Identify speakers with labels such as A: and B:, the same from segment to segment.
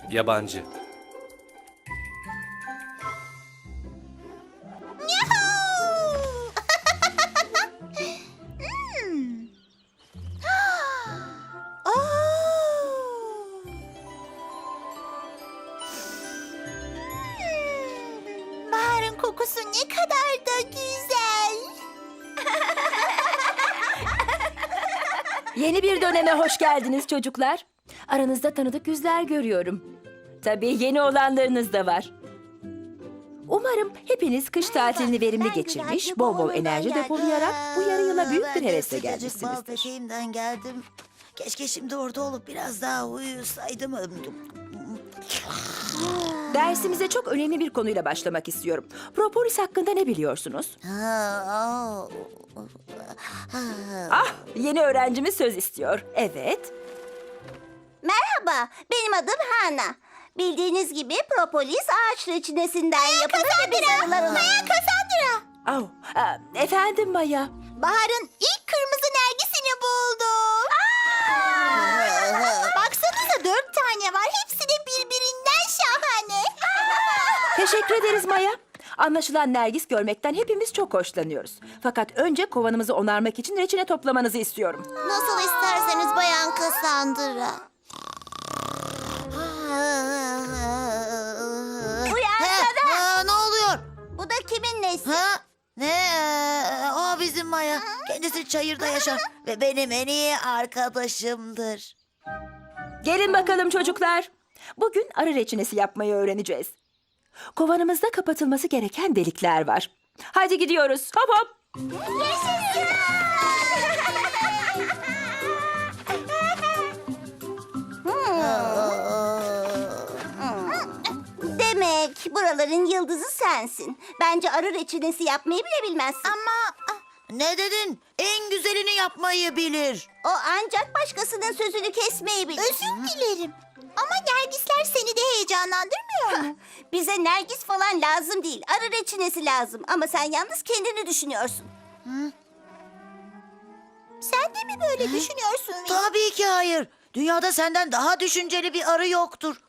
A: Yabancı.
B: Baharın kokusu ne kadar da güzel.
C: Yeni bir döneme hoş geldiniz çocuklar. Aranızda tanıdık yüzler görüyorum. Tabii yeni olanlarınız da var. Umarım hepiniz kış tatilini verimli geçirmiş, bol bol enerji depolayarak bu yarı yıla büyük bir hevesle gelmişsinizdir.
B: Peteğimden geldim. Keşke şimdi orada olup biraz daha uyusaydım.
C: Dersimize çok önemli bir konuyla başlamak istiyorum. Propolis hakkında ne biliyorsunuz? Ah, yeni öğrencimiz söz istiyor. Evet.
D: Merhaba, benim adım Hana. Bildiğiniz gibi propolis ağaç reçinesinden yapılır ve biz arılar onu...
B: Cassandra.
C: Oh, efendim Maya.
B: Bahar'ın ilk kırmızı nergisini buldu. Baksanıza 4 tane var. Hepsi de birbirinden şahane.
C: Teşekkür ederiz Maya. Anlaşılan Nergis görmekten hepimiz çok hoşlanıyoruz. Fakat önce kovanımızı onarmak için reçine toplamanızı istiyorum.
B: Nasıl isterseniz Bayan Cassandra.
D: Uyansana!
B: Ne oluyor?
D: Bu da kimin nesi?
B: Ha? Ne? O bizim Maya. Kendisi çayırda yaşar ve benim en iyi arkadaşımdır.
C: Gelin bakalım çocuklar. Bugün arı reçinesi yapmayı öğreneceğiz. Kovanımızda kapatılması gereken delikler var. Hadi gidiyoruz. Hop hop.
D: Demek buraların yıldızı sensin. Bence arı reçinesi yapmayı bile bilmezsin.
B: Ama ne dedin? En güzelini yapmayı bilir.
D: O ancak başkasının sözünü kesmeyi bilir.
B: Özür dilerim. Ama nergisler seni de heyecanlandırmıyor mu?
D: Bize nergis falan lazım değil. Arı reçinesi lazım. Ama sen yalnız kendini düşünüyorsun.
B: Sen de mi böyle düşünüyorsun? Tabii ki hayır. Dünyada senden daha düşünceli bir arı yoktur.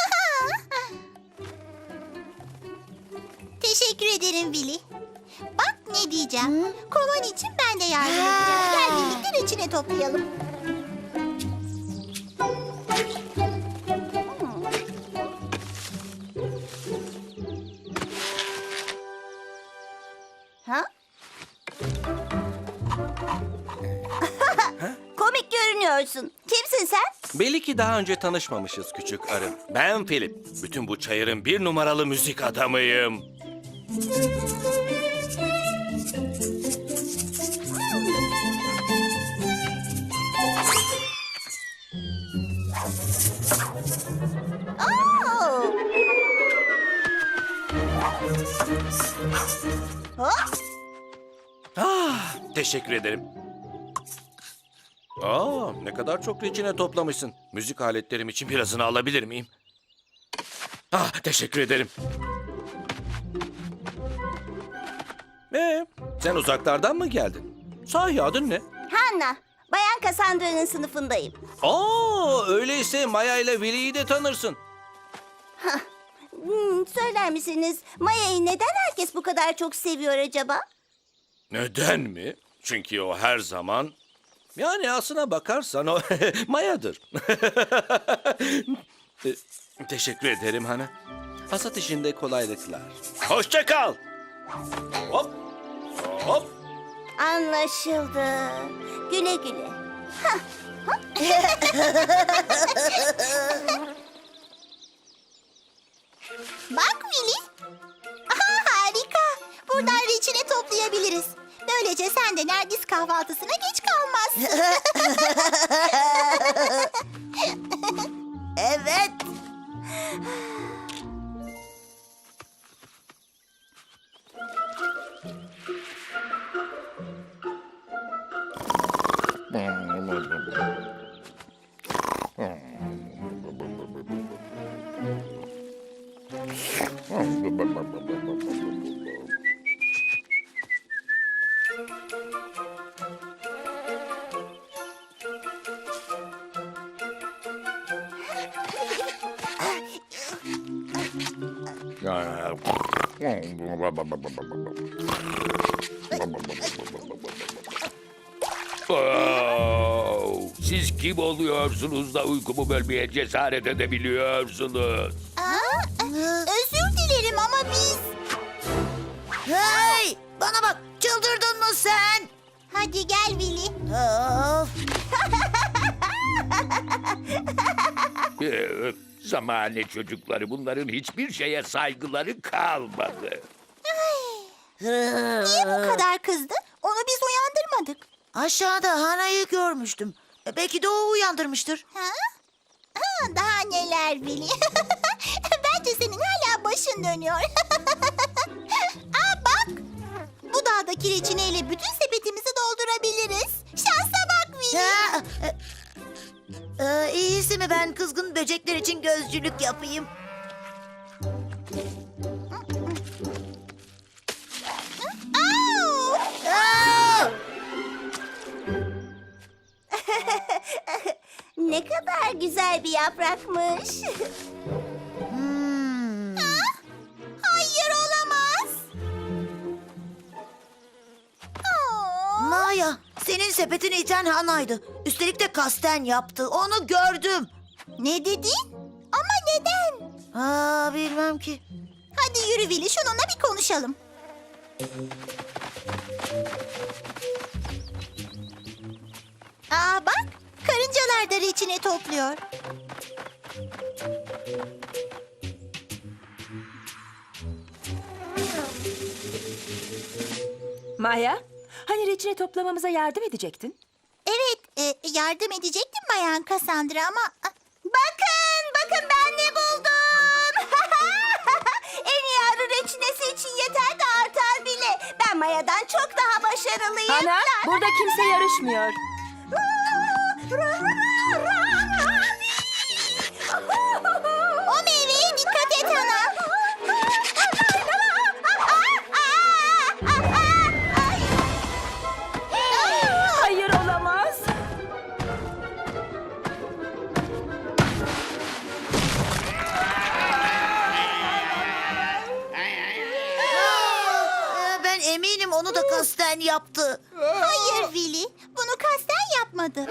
B: Teşekkür ederim Willy. Bak ne diyeceğim. Kovan için ben de yardım edeceğim. Gel birlikte reçine toplayalım.
D: Ha? Komik görünüyorsun. Kimsin sen?
A: Belli ki daha önce tanışmamışız küçük arı. Ben Philip. Bütün bu çayırın bir numaralı müzik adamıyım.
D: Oo! Hop!
A: Ah, teşekkür ederim. Aa, ne kadar çok reçine toplamışsın. Müzik aletlerim için birazını alabilir miyim? Ah, teşekkür ederim. Sen uzaklardan mı geldin? Sahi adın ne?
D: Hanna, Bayan Cassandra'nın sınıfındayım.
A: Aa, öyleyse Maya ile Willy'yi de tanırsın.
D: Söyler misiniz, Maya'yı neden herkes bu kadar çok seviyor acaba?
A: Neden mi? Çünkü o her zaman... Yani aslına bakarsan o Maya'dır. Teşekkür ederim Hana. Hasat işinde kolaylıklar. Hoşça kal. Hop. Hop.
D: Anlaşıldı. Güle güle.
B: Bak Willy. Aha, harika. Buradan reçine toplayabiliriz. Böylece sen de Nergis kahvaltısına geç kalmazsın. Evet.
E: Siz kim oluyorsunuz da uykumu bölmeye cesaret edebiliyorsunuz?
B: Özür dilerim ama biz...
F: Hey! Bana bak, çıldırdın mı sen?
B: Hadi gel Willy.
F: Of!
E: Zamane çocukları, bunların hiçbir şeye saygıları kalmadı.
B: Niye bu kadar kızdı? Onu biz uyandırmadık.
F: Aşağıda Hana'yı görmüştüm. Belki de o uyandırmıştır.
B: Ha? Daha neler Willy? Bence senin hala başın dönüyor. Bak. Bu dağdaki reçineyle bütün sepetimizi doldurabiliriz. Şansa bak Willy.
F: İyisi mi ben kızgın böcekler için gözcülük yapayım?
B: Au!
D: Ne kadar güzel bir yaprakmış.
B: Hayır olamaz.
F: Maya, senin sepetini iten Hana'ydı. Üstelik de kasten yaptı. Onu gördüm.
B: Ne dedin? Ama neden?
F: Bilmem ki.
B: Hadi yürü Willy şununla bir konuşalım. Bak karıncalar da reçine topluyor.
C: Maya, hani reçine toplamamıza yardım edecektin?
B: Evet yardım edecektim Bayan Cassandra ama...
D: Bakın ben ne buldum. En iyi arı reçinesi için yeter de artar bile. Ben Maya'dan çok daha başarılıyım.
C: Ana, burada kimse yarışmıyor.
B: O meyveye dikkat et ana.
C: Hayır olamaz.
F: Ben eminim onu da kasten yaptı.
B: Hayır Willy bunu kasten yapmadı.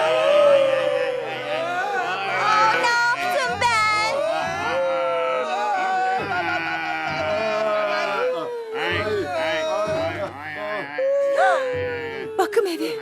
D: Ne yaptım ben?
C: Bakım evi.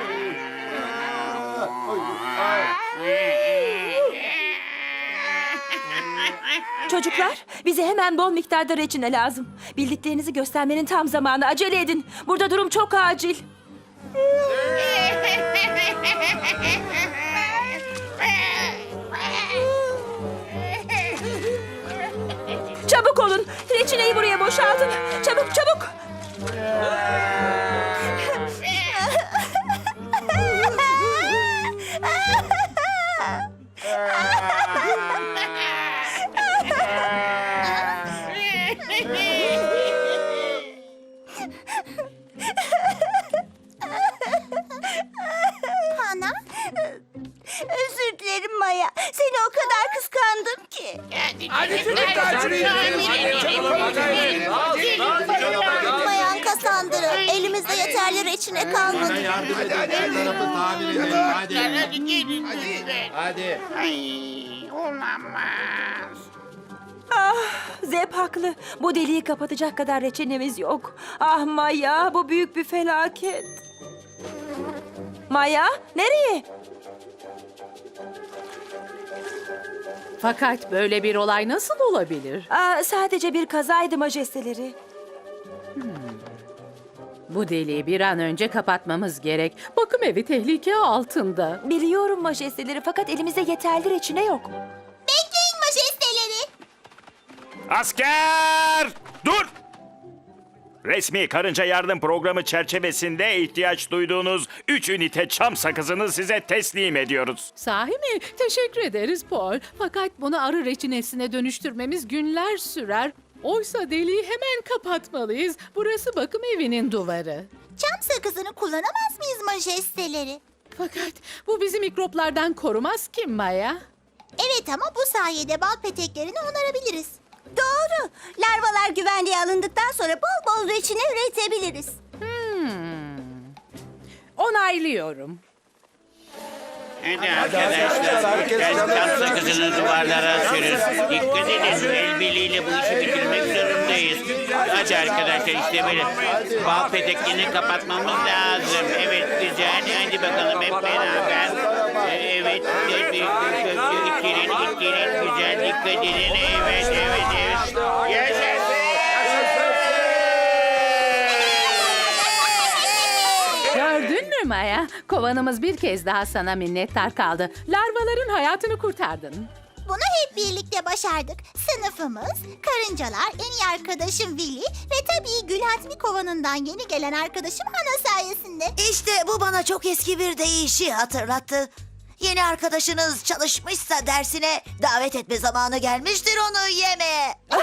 C: Çocuklar, bize hemen bol miktarda reçine lazım. Bildiklerinizi göstermenin tam zamanı. Acele edin. Burada durum çok acil. Çabuk olun. Reçineyi buraya boşaltın. Çabuk çabuk.
B: Hana
D: Özür dilerim Maya. Seni o kadar kıskandım ki.
B: Bayan Cassandra elimizde yeterli reçine kalmadı.
C: Zep haklı. Bu deliği kapatacak kadar reçinemiz yok. Ah Maya, bu büyük bir felaket. Maya, nereye?
G: Fakat böyle bir olay nasıl olabilir?
C: Sadece bir kazaydı majesteleri.
G: Bu deliği bir an önce kapatmamız gerek. Bakım evi tehlike altında.
C: Biliyorum majesteleri fakat elimizde yeterli reçine yok.
B: Bekleyin majesteleri.
H: Asker! Dur! Resmi Karınca Yardım Programı çerçevesinde ihtiyaç duyduğunuz 3 ünite çam sakızını size teslim ediyoruz.
G: Sahi mi? Teşekkür ederiz Paul. Fakat bunu arı reçinesine dönüştürmemiz günler sürer. Oysa deliği hemen kapatmalıyız. Burası bakım evinin duvarı.
B: Çam sakızını kullanamaz mıyız majesteleri?
G: Fakat bu bizi mikroplardan korumaz ki Maya.
B: Evet ama bu sayede bal peteklerini onarabiliriz.
D: Doğru. Larvalar güvenliğe alındıktan sonra bol bol reçine üretebiliriz.
G: Onaylıyorum.
I: Hadi arkadaşlar, herkes çam sakızını duvarlara sürün. Dikkat edin, el birliğiyle bu işi bitirmek zorundayız. Hadi arkadaşlar, işte böyle bal peteklerini kapatmamız lazım. Evet, güzel. Hadi bakalım hep beraber. Evet, ittirin, güzel, dikkat edin. Evet. Yaşasın!
G: Gördün mü Maya? Kovanımız bir kez daha sana minnettar kaldı. Larvaların hayatını kurtardın.
B: Bunu hep birlikte başardık. Sınıfımız, karıncalar, en iyi arkadaşım Willy ve tabii Gülhatmi kovanından yeni gelen arkadaşım Hana sayesinde.
F: İşte bu bana çok eski bir deyişi hatırlattı. Yeni arkadaşınız çalışmışsa dersine davet etme zamanı gelmiştir onu yemeğe.